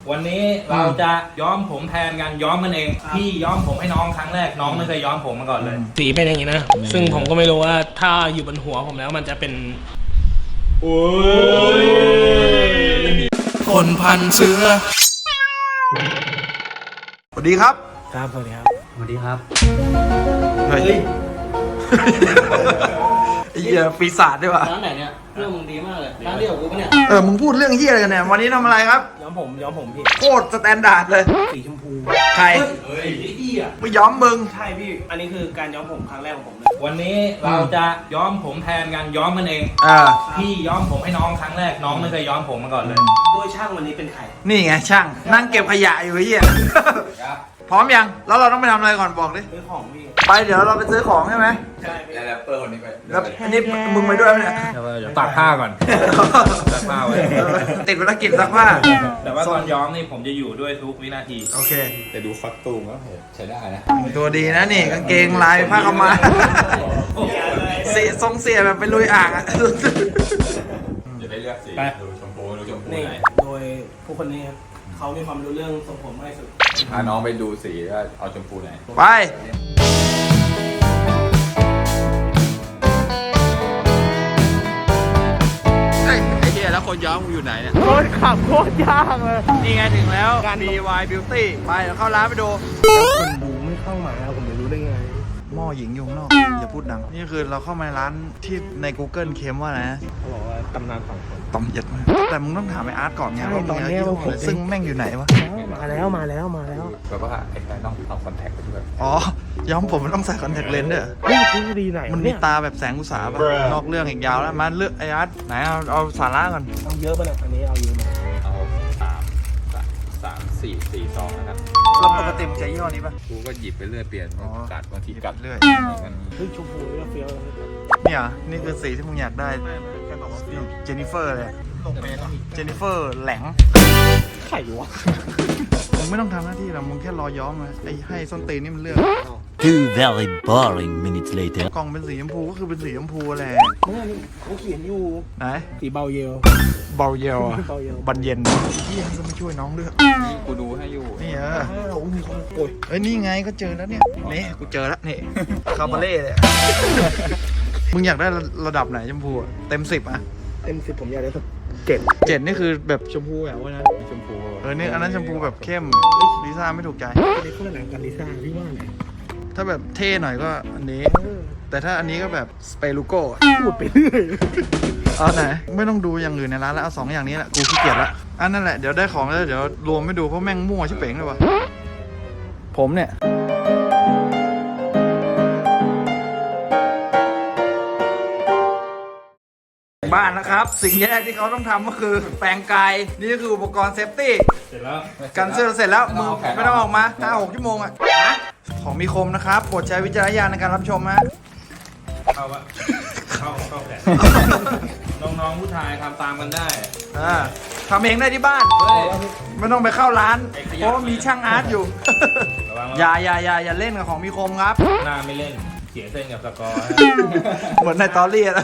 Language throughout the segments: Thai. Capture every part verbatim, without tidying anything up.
วันนี้เราจะย้อมผมแทนกันย้อมกันเองพี่ย้อมผมให้น้องครั้งแรกน้องไม่เคยย้อมผมมาก่อนเลยสีเป็นอย่างนี้นะซึ่งผมก็ไม่รู้ว่าถ้าอยู่บนหัวผมแล้วมันจะเป็นโอ้ยคนพันเสือสวัสดีครับครับสวัสดีครับสวัสดีครับเฮ้ยไอ้เหี้ยปีศาจด้วยวะร้านไหนเนี่ยเรื่องมึงดีมากเลยร้านเดียวกับกูปะเนี่ยเออมึงพูดเรื่องเหี้ยอะไรกันเนี่ยวันนี้ทำอะไรครับย้อมผมย้อมผมพี่โคตรสแตนดาร์ดเลยสีชมพูใครเฮ้ยพี่อ่ะไม่ย้อมมึงใช่พี่อันนี้คือการย้อมผมครั้งแรกของผมเลยวันนี้เราจะย้อมผมแทนกันย้อมกันเองอ่าพี่ย้อมผมให้น้องครั้งแรกน้องไม่เคยย้อมผมมาก่อนเลยโดยช่างวันนี้เป็นใครนี่ไงช่างนั่งเก็บขยะอยู่ไอ้เหี้ยพร้อมยังแล้วเราต้องไปทำอะไรก่อนบอกดิซื้อของพี่ไปเดี๋ยวเราไปซื้อของใช่ไหมใช่แล้วแรปเปอร์คนนี้ไปแล้วอันนี้มึงไปด้วยไหมเนี่ยเดี๋ยวตากผ้าก่อนตากผ้าไว้ติดภารกิจซักผ้าแต่ว่าตอนย้อมนี่ผมจะอยู่ด้วยทุกวินาทีโอเคแต่ดูฟักตูมก็ใช้ได้นะตัวดีนะนี่กางเกงลายผ้าขาวม้าเสียทรงเสียแบบไปลุยอ่างอ่ะอย่าได้เลือกสีดูชมพูดูชมพูไหนโดยผู้คนนี้เขามีความรู้เรื่องทรงผมมากที่สุดพาน้องไปดูสีว่าเอาชมพูไหนไปไอ้เหี้ยแล้วคนย้อมอยู่ไหนเนี่ยโคตรขับโคตรยากเลยนี่ไงถึงแล้วการ ดี วาย Beauty ไปเดี๋ยวเข้าร้านไปดูคนดูไม่เข้ามาผมไม่รู้ได้ไงหม้อหญิงอยู่ข้างนอกอย่าพูดดังนี่คือเราเข้ามาร้านที่ใน Google เค็มว่าอะไรนะเขาบอกว่าตำนานฝั่งคนต่อมเย็ดมากแต่มึงต้องถามไอ้อาร์ตก่อนไงว่ามึงเอายี่ห้อซึ่งแม่งอยู่ไหนวะมาแล้วมาแล้วมาแล้วแบบว่าไอ้แค่ต้องเอาคอนแทคไปด้วยอ๋อย้อมผมมันต้องใส่คอนแทคเลนส์ด้วยเฮ้ยคือดีไหนมันมีตาแบบแสงอุตสาหะนอกเรื่องอีกยาวแล้วมาเลือกไอ้อาร์ตไหนเอาเอาสาระก่อนเอาเยอะป่ะเนี่ยอันนี้เอาเยอะไหมเอาสามสามสี่สี่ซองนะครับเราปกติมันใช้ยี่ห้อนี้ป่ะกูก็หยิบไปเรื่อยเปลี่ยนกัดบางทีกัดเรื่อยเฮ้ยชมพูเฟี้ยวเนี่ยนี่คือสีที่มึงอยากได้แค่บอกว่าเจนนิเฟอร์เลยเจนนิเฟอร์แหลงไข่วะมึงไม่ต้องทำหน้าที่หรอกมึงแค่รอย้อมมาไอ้ให้ส้นตีนนี่มันเลือก Two very boring minutes later กล่องเป็นสีชมพูก็คือเป็นสีชมพูแหละเมื่อนี่เขาเขียนอยู่ไหนสีเบาเยลเบาเยลอะเบาเยลบันเย็นพี่ยังจะมาช่วยน้องเลือกกูดูให้อยู่นี่เออโอ้ยเอ้ยนี่ไงก็เจอแล้วเนี่ยนี่กูเจอแล้วนี่คาบาเล่เลยมึงอยากได้ระดับไหนชมพูเต็มสิบอะเต็มสิบผมอยากได้สักเจ็ดเจ็ดนี่คือแบบชมพูแบบว่านะชมพูเออนี่อันนั้นชมพูแบบเข้มลิซ่าไม่ถูกใจอันนี้คนละหนังกันลิซ่าพี่ว่าไหนถ้าแบบเท่หน่อยก็อันนี้แต่ถ้าอันนี้ก็แบบสเปรูโก้พูดไปเรื่อยเอาไหนไม่ต้องดูอย่างอื่นในร้านแล้วเอาสองอย่างนี้แหละกูขี้เกียจละอันนั่นแหละเดี๋ยวได้ของแล้วเดี๋ยวรวมไม่ดูเพราะแม่งมั่วชิบเป๋งเลยวะผมเนี่ยบ้านนะครับสิ่งแรกที่เขาต้องทำก็คือแปรงกายนี่ก็คืออุปกรณ์เซฟตี้เสร็จแล้วกันเสื้อเสร็จแล้วมึงไม่ต้องออกมา ห้าหก ชั่วโมงอ่ะของมีคมนะครับโปรดใช้วิจารณญาณในการรับชมฮะเข้าวะเข้าเข้าแผนน้องๆผู้ชายทำตามกันได้อ่าทำเองได้ที่บ้านไม่ต้องไปเข้าร้านเพราะมีช่างอาร์ตอยู่อย่าอย่าอย่าอย่าเล่นกับของมีคมครับหน้าไม่เล่นเสียเส้นกับสกอร์เหมือนในตอรี่อะ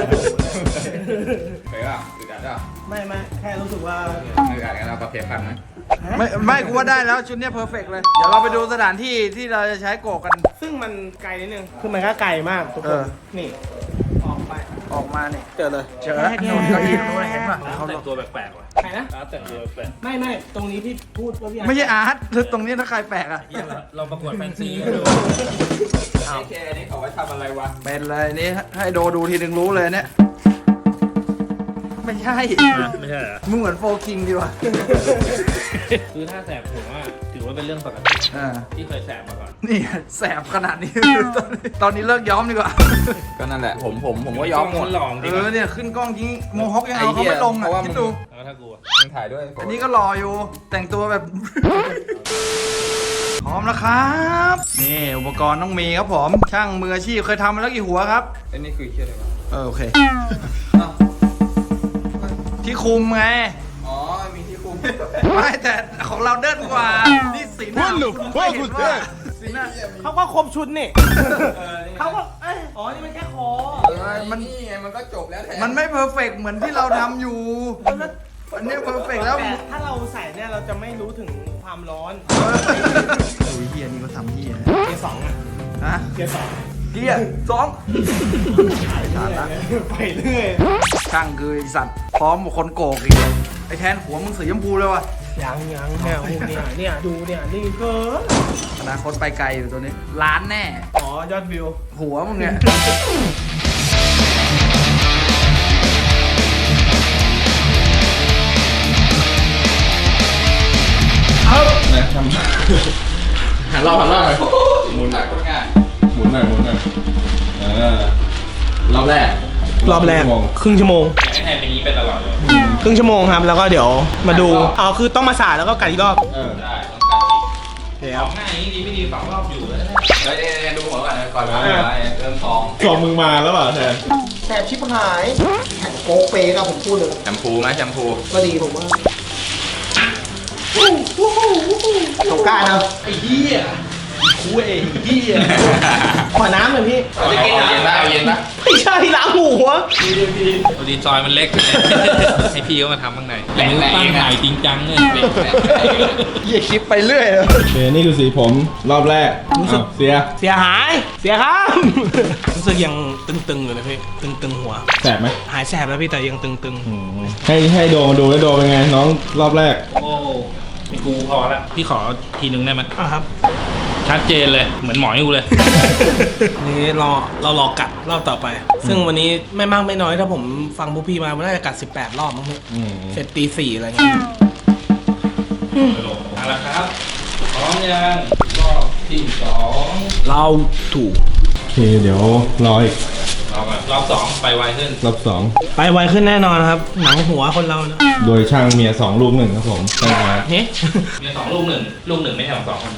เคยป่ะอึดอัดป่ะไม่ไม่แค่รู้สึกว่าอึดอัดกันเราประเภทกันนะไม่ไม่กูว่าได้แล้วชุดนี้เพอร์เฟกต์เลยเดี๋ยวเราไปดูสถานที่ที่เราจะใช้โกกันซึ่งมันไกลนิดนึงคือมันก็ไกลมากทุกคนนี่ออกไปออกมาเนี่ยเจอเลยเจอแล้วเก้าอี้ตรงนู้นเห็นป่ะเขาแต่งตัวแปลกๆว่ะใครนะแต่งตัวแปลกไม่ไม่ตรงนี้ที่พูดว่าพี่ไม่ใช่อาร์ตตรงนี้ถ้าใครแปลกอ่ะเราประกวดแฟนซีโอเคอันนี้เขาไว้ทำอะไรวะเป็นอะไรนี่ให้โดดูทีนึงรู้เลยเนี่ยไม่ใช่ไม่ใช่เหรอมึงเหมือนโฟกิงดีว่ะคือถ้าแสบผมว่าถือว่าเป็นเรื่องปกติที่เคยแสบมาก่อนนี่แสบขนาดนี้ตอนนี้เลิกย้อมดีกว่าก็นั่นแหละผมผมผมก็ย้อมหมดเออเนี่ยขึ้นกล้องจริงโมฮอคยังเอาเขาไม่ลงอ่ะคิดดูแล้วถ้ากูมึงถ่ายด้วยอันนี้ก็รออยู่แต่งตัวแบบพร้อมแล้วครับนี่อุปกรณ์ต้องมีครับผมช่างมืออาชีพเคยทำมาแล้วกี่หัวครับอันนี้คือเชี่ยอะไรวะเออโอเคที่คุมไงอ๋อมีที่คุมไม่แต่ของเราเดินกว่านี่สีหน้าคุณไม่เห็นว่าสีหน้าเขาก็ครบชุดนี่เขาก็อ๋อนี่มันแค่คอมันนี่ไงมันก็จบแล้วแทนมันไม่เพอร์เฟกต์เหมือนที่เราทำอยู่ก็อันเนี้เพอร์เฟกแล้วแต่ถ้าเราใส่เนี่ยเราจะไม่รู้ถึงความร้อนโอ้ยเฮียนี่ก็ทำเฮียเกียร์สองอ่ะฮะเกียร์สองเกียร์สองขาดละไปเรื่อยช่างคือไอสัตว์พร้อมกับคนโกกอีกไอแทนหัวมึงสีชมพูเลยวะยังยังแมวเนี่ยเนี่ยดูเนี่ยนี่เกินอนาคตไปไกลอยู่ตัวนี้ล้านแน่อ๋อยอดวิวหัวมึงเนี่ยนะทำหันรอบหันรอบหน่อยหมุนหน่อยหมุนหน่อยหมุนหน่อยเออรอบแรกรอบแรกชั่วโมงครึ่งชั่วโมงอยากให้แทนเป็นอย่างนี้เป็นตลอดเลยครึ่งชั่วโมงครับแล้วก็เดี๋ยวมาดูอ๋อคือต้องมาสาดแล้วก็กัดอีกรอบเออได้ต้องการอีกโอเคสครัอบ งหน้านี้ดีไม่ดีสองรอบอยู่แล้วนะเฮ้ยเดี๋ยวดูหัวก่อนนะก่อนนะเออเริ่มท้องสองมึงมาแล้วเปล่าแทนแสบชิบหายแข็งโกเปกับผมพูดเลยแชมพูไหมแชมพูก็ดีผมว่าเขากล้านะไอ้เหี้ยคุยไอ้เหี้ยขอน้ำหน่อยพี่เอาเย็นนะเอาเย็นนะไม่ใช่ล้างหัวพอดีซอยมันเล็ก ให้พี่เขามาทำข้างในตั้งถ่ายจริงจังเลยเฮียคลิปไปเรื่อยเลยโอเคนี่คือสีผมรอบแรกรู้สึกเสียเสียหายเสียครับ รู้สึกยังตึงๆอยู่เลยพี่ตึงๆหัวแสบไหมหายแสบแล้วพี่แต่ยังตึงอืมให้ให้โดมาดูแล้วโดเป็นไงน้องรอบแรกโอ้ไม่กูพอละพี่ขอทีนึงได้ไหมๆอ่ะครับชัดเจนเลยเหมือนหมออยู่เลยนี่รอเรารอกัดรอบต่อไป ซึ่งวันนี้ไม่มากไม่น้อยถ้าผมฟังพวกพี่มาน่าจะกัดสิบแปดรอบมั้งพี่อืมเสร็จตีสี่อะไรเงี้ยเอาละครับพร้อมยังรอบที่สองเราถูกโอเคเดี๋ยวรออีกรอบก่อนรอบสองไปไวขึ้นรอบสองไปไวขึ้นแน่นอนครับ หนังหัวคนเรานะโดยช่างเมียสองลูกหนึ่งครับผมใช่ไหมเฮ้มีสองลูกหนึ่งลูกหนึ่งไม่ใช่ของสองคน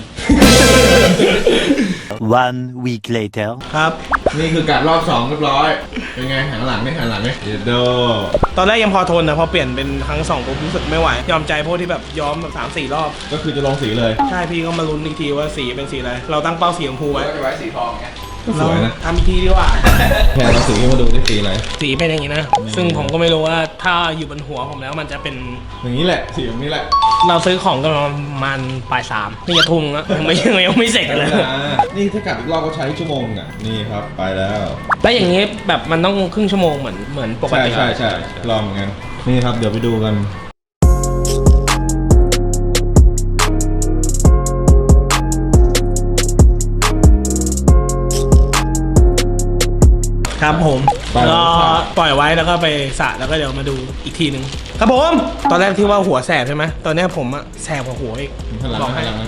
One week later. ครับนี่คือการรอบสองเรียบร้อยเป็นไงหันหลังไหมหันหลังไหมเดี๋ยวโดตอนแรกยังพอทนนะพอเปลี่ยนเป็นครั้งสองผมรู้สึกไม่ไหวยอมใจพวกที่แบบย้อมแบบสามสี่รอบก็คือจะลงสีเลยใช่พี่ก็มาลุ้นอีกทีว่าสีเป็นสีอะไร เราตั้งเป้าสีชมพูไว้ก็จะไว้สีทองไงก็สวยนะทำอีกทีดีกว่าแค่เราสีมาดูได้สีอะไรสีเป็นอย่างนี้นะ ซึ่งผมก็ไม่รู้ว่าถ้าอยู่บนหัวผมแล้วมันจะเป็นอย่างนี้แหละสีแบบนี้แหละเราซื้อของกันประมาณปลายสามนี่จะทุ่มแล้วยังไม่ยังยังไม่เสร็จเลยอ่านี่ถ้ากลับอีกรอบก็ใช้ชั่วโมงอ่ะนี่ครับไปแล้วแล้วอย่างนี้แบบมันต้องครึ่งชั่วโมงเหมือนเหมือนปกใช่ติใช่ใช่ลองเหมือนกันนี่ครับเดี๋ยวไปดูกันครับผมปล่อยก็ไว้ปล่อยไว้แล้วก็ไปสระแล้วก็เดี๋ยวมาดูอีกทีหนึ่งครับผมตอนแรกที่ว่าหัวแสบใช่ไหมตอนนี้ผมอะแสบกว่าหัวอีกหันหลังบอกนะให้หันหลังนะ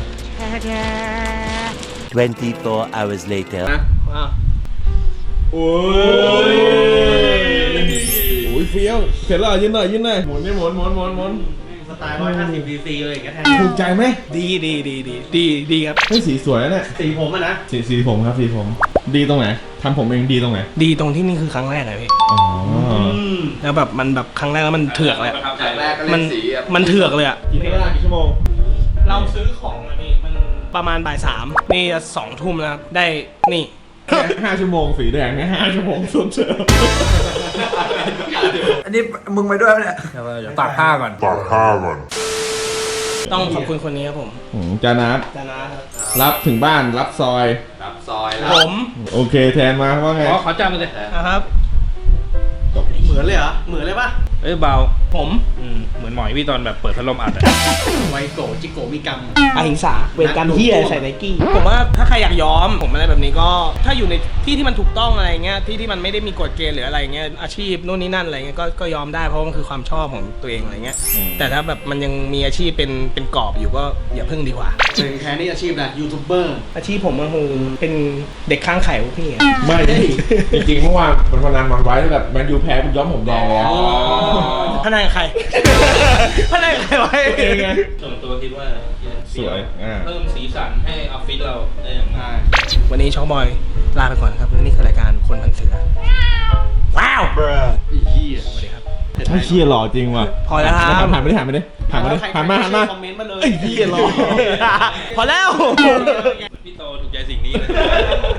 twenty-four hours later. อ่ะโอ้ยโอ้ยเฟี้ยวเสร็จแล้วยืนหน่อยยืนหน่อยหมุนนี่หมุนหมุนหมุนหมุนสไตล์ร้อยห้าสิบซีซีเลยอย่างเงี้ยแทนถูกใจไหมดีดีดีดีดีดีครับเฮ้ยสีสวยนะเนี่ยสีผมอะนะสีสีผมครับสีผม ดีตรงไหนทำผมเองดีตรงไหนดีตรงที่นี่คือครั้งแรกเลยพี่อ๋อแล้วแบบมันแบบครั้งแรกแล้วมันเถือกเลยอะประทับใจแรกก็มัเล่นนสีอ่ะมันเถือกเลยอะกี่เวลากี่ชั่วโมงเราซื้อของอะพี่มันประมาณบ่ายสามนี่จะสองทุ่มแล้วครับได้นี่แค่ห้าชั่วโมงสีแดงเนี่ยห้าชั่วโมงสุดเชิญอันนี้มึงไปด้วยปะเนี่ยเดี๋ยวตากผ้าก่อนต้องขอบคุณคนนี้ครับผมอืมจานัทจานะครับรับถึงบ้านรับซอยรับซอยแล้วผมโอเคแทนมาว่าไงขอขอจำเลยนะครับ เหมือนเลยเหรอ เหมือนเลยปะเอ้ยเบาผมอืมเหมือนหมอยพี่ตอนแบบเปิดพัดลมอัดอะไวโกจิโกมีกรรมอหิงสาเวรกรรมที่ใส่ไนกี้ผมว่าถ้าใครอยากย้อมผมอะไรแบบนี้ก็ถ้าอยู่ในที่ที่มันถูกต้องอะไรเงี้ยที่ที่มันไม่ได้มีกฎเกณฑ์หรืออะไรเงี้ยอาชีพนู่นนี่นั่นอะไรเงี้ยก็ก็ยอมได้เพราะมันคือความชอบของตัวเองอะไรเงี้ยแต่ถ้าแบบมันยังมีอาชีพเป็นเป็นกรอบอยู่ก็อย่าพึ่งดีกว่าเป็นแค่นี้อาชีพนะยูทูบเบอร์อาชีพผมก็คือเป็นเด็กข้างไข่พวกพี่ไงไม่จริงๆเมื่อวานมันพนันมันไว้แบบแมนยูแพ้เป็นย้อมผมแดงเลยอะพนันกับใคร พนันกับใครไว้เองไงส่วนตัวคิดว่าสวยอ่าเพิ่มสีสันให้ออฟฟิศเราได้อย่างมากวันนี้ช็อกบอยลาไปก่อนครับและนี่คือรายการคนพันเสือว้าวอีกที่สวัสดีครับถ้าเชียร์หล่อจริงว่ะพอแล้วครับผ่านไปดิผ่านไปดิผ่านไปดิผ่านมาผ่านมาคอมเมนต์มาเลยไอ้เหี้ยหล่อพอแล้วพี่โตถูกใจสิ่งนี้เลย